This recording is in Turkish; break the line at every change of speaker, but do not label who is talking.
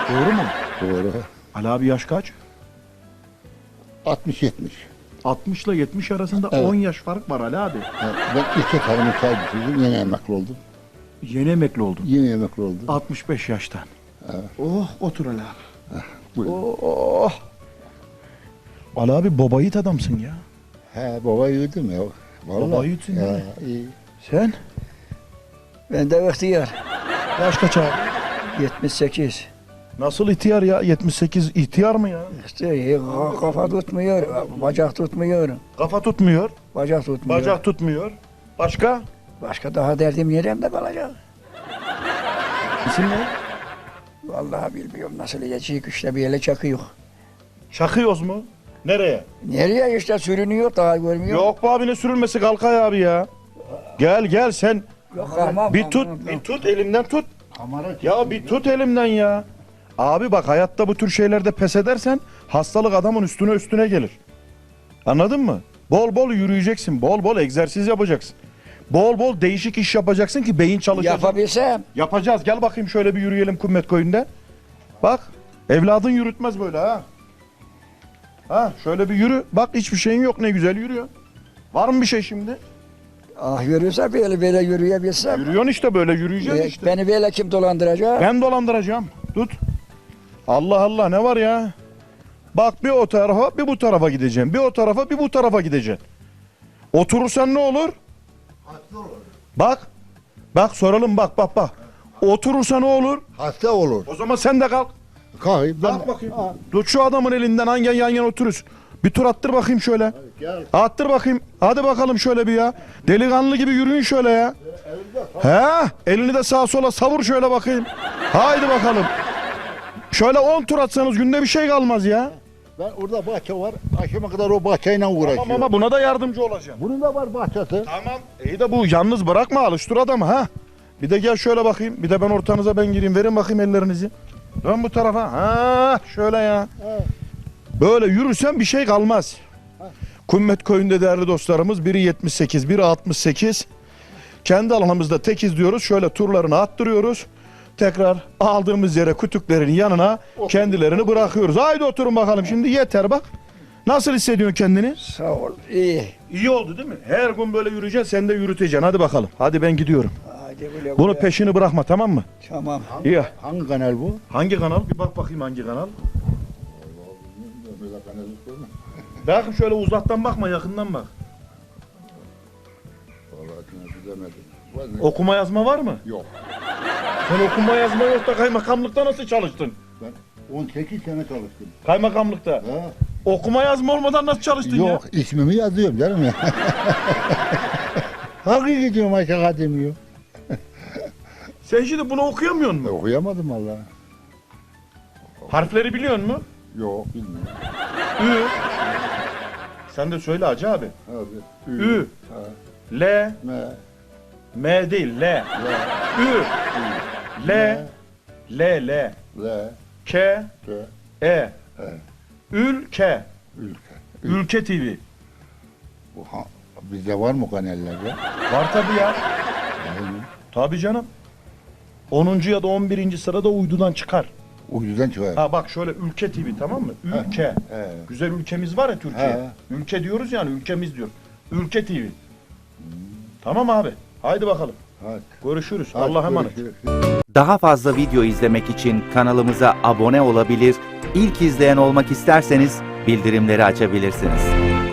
Doğru mu?
Doğru.
Ali abi yaş kaç?
60-70.
60 ile 70 arasında
Evet.
10 yaş fark var Ali abi.
Ben iki tarımı çay bitirdim. Yeni emekli oldum.
Yeni emekli oldun.
Yeni emekli oldum.
65 yaştan.
Evet.
Oh otur Ali abi.
Buyur.
Oh. Ali abi baba yiğit adamsın ya.
He baba yedim ya. Vallahi.
Baba yiğitsin
Ya,
yani.
iyi.
Sen?
Ben de ihtiyar.
Yaş kaç abi?
78.
Nasıl ihtiyar ya? 78 ihtiyar mı ya?
İşte kafa tutmuyor, bacak tutmuyor.
Kafa tutmuyor,
Bacak tutmuyor.
bacak tutmuyor. Başka?
Başka daha derdim neremde kalacak?
İsim ne?
Vallahi bilmiyorum nasıl yiyecek işte bir yere çakıyor.
Çakıyoruz mu? Nereye?
Nereye işte sürünüyor daha görmüyor.
Yok be abi ne sürülmesi Kalkay abi ya. Gel sen.
Yok tamam.
Bir tut elimden tut.
Kamera
Ya bir tut elimden ya. Abi bak hayatta bu tür şeylerde pes edersen hastalık adamın üstüne gelir. Anladın mı? Bol bol yürüyeceksin. Bol bol egzersiz yapacaksın. Bol bol değişik iş yapacaksın ki beyin çalışacak.
Yapabilsem.
Yapacağız. Gel bakayım şöyle bir yürüyelim Kummet Köyü'nde. Bak. Evladın yürütmez böyle ha. Ha şöyle bir yürü. Bak hiçbir şeyin yok ne güzel yürüyor. Var mı bir şey şimdi?
Ah yürürse böyle yürüyebilsem.
Yürüyorsun işte böyle yürüyeceğiz işte.
Beni böyle kim dolandıracak?
Ben dolandıracağım. Tut. Allah Allah ne var ya? Bak bir o tarafa bir bu tarafa gideceğim. Bir o tarafa bir bu tarafa gideceksin. Oturursan ne olur? Bak. Bak soralım bak. Oturursa ne olur?
hasta olur.
O zaman sen de kalk.
Kalk ben.
Kalk bakayım. Tut şu adamın elinden hangi yan yana otururuz. Bir tur attır bakayım şöyle.
Gel.
Attır bakayım. Hadi bakalım şöyle bir ya. Delikanlı gibi yürüyün şöyle ya. He? Elini de sağa sola savur şöyle bakayım. Haydi bakalım. Şöyle 10 tur atsanız günde bir şey kalmaz ya.
Ben orada bahçe var. Akşama kadar o bahçeyle uğraşıyorum.
Tamam ama buna da yardımcı olacağım.
Bunun da var bahçesi.
Tamam. İyi de bu yalnız bırakma alıştır adamı ha. Bir de gel şöyle bakayım. Bir de ben ortanıza ben gireyim. Verin bakayım ellerinizi. Dön bu tarafa. Ha şöyle ya. Böyle yürürsen bir şey kalmaz. Kummet Köyü'nde değerli dostlarımız biri 78, biri 68. Kendi alanımızda tekiz diyoruz. Şöyle turlarını attırıyoruz. Tekrar aldığımız yere kütüklerin yanına kendilerini bırakıyoruz. Haydi oturun bakalım şimdi yeter bak. Nasıl hissediyorsun kendini?
Sağ ol. İyi.
İyi oldu değil mi? Her gün böyle yürüyeceksin sen de yürüteceksin. Hadi bakalım. Hadi ben gidiyorum.
Hadi güle
Bunu
güle.
peşini bırakma tamam mı?
Tamam.
İyi.
Hangi kanal bu?
Hangi kanal? Bir bak bakayım hangi kanal.
Böyle kanal yok mu?
Bakın şöyle uzaktan bakma yakından bak.
Vallahi bilemedim. Var mı?
Okuma yazma var mı?
Yok.
Sen okuma yazma yok da kaymakamlıkta nasıl çalıştın?
Ben 18 sene çalıştım.
Kaymakamlıkta.
Ha?
Okuma yazma olmadan nasıl çalıştın ya?
Yok ismimi yazıyorum canım ya. Hangi gidiyorum aşağı demiyor.
Sen şimdi bunu okuyamıyor musun?
Okuyamadım valla.
Harfleri biliyor musun?
Yok bilmiyorum.
Ü. Sen de söyle Hacı abi.
Abi.
Ü.
Ha.
L.
Me.
M değil L.
Le.
Ü. L. L. L.
Le.
K.
Te.
E.
E.
Ülke.
Ülke.
Ülke TV.
Bu ha, bizde var mı kanallerde?
Var tabii ya.
Yani,
Tabii canım. 10. ya da 11. sırada uydudan çıkar.
uydudan çıkar.
Ha bak şöyle Ülke TV tamam mı? Ülke.
He.
Güzel ülkemiz var ya Türkiye.
He.
Ülke diyoruz yani ülkemiz diyor. Ülke TV. Tamam abi. Haydi bakalım.
Hadi.
Görüşürüz.
Hadi,
Allah'a emanet.
görüşürüz.
Daha fazla video izlemek için kanalımıza abone olabilir, ilk izleyen olmak isterseniz bildirimleri açabilirsiniz.